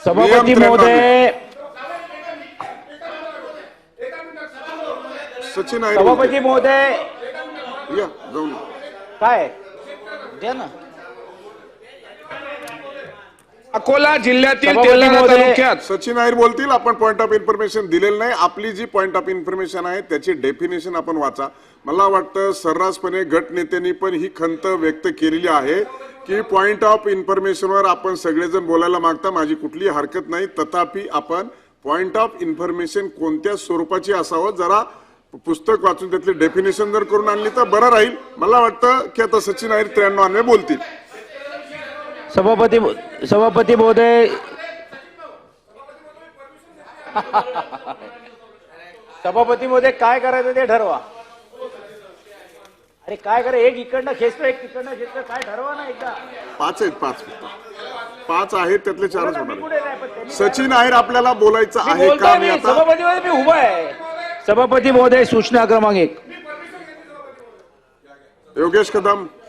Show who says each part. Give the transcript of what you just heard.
Speaker 1: सभापती महोदय,
Speaker 2: सचिन आहे
Speaker 1: सभापती महोदय,
Speaker 2: या जाऊन
Speaker 1: काय द्या ना.
Speaker 3: अकोला जिल्ह्यातील
Speaker 1: सभापती
Speaker 3: तेल्हारा
Speaker 1: महोदय.
Speaker 3: तालुक्यात
Speaker 2: सचिन नायर बोलतील. आपण पॉइंट ऑफ इन्फॉर्मेशन दिलेलं नाही. आपली जी पॉइंट ऑफ इन्फॉर्मेशन आहे त्याची डेफिनेशन आपण वाचा. मला वाटतं सर्रासपणे गटनेत्यांनी पण ही खंत व्यक्त केलेली आहे की पॉइंट ऑफ इन्फॉर्मेशनवर आपण सगळेजण बोलायला मागता. माझी कुठलीही हरकत नाही. तथापि आपण पॉइंट ऑफ इन्फॉर्मेशन कोणत्या स्वरूपाची असावं जरा पुस्तक वाचून त्यातली डेफिनेशन जर करून आणली तर बरं राहील. मला वाटतं की आता सचिन नायर 93 बोलतील.
Speaker 1: सभापती महोदय, सभापती महोदय काय करायचं ते ठरवा. अरे काय करा, एक इकडनं खेचतो एक तिकडनं खेचतो, काय ठरवा ना एकदा.
Speaker 2: 5 आहेत. 5 आहेत त्यातले 4च होणार. सचिन नायर आपल्याला बोलायचं आहे का? मी आता
Speaker 1: सभापती महोदय मी उभा आहे. सभापती महोदय सूचना क्रमांक 1.
Speaker 2: योगेश कदम.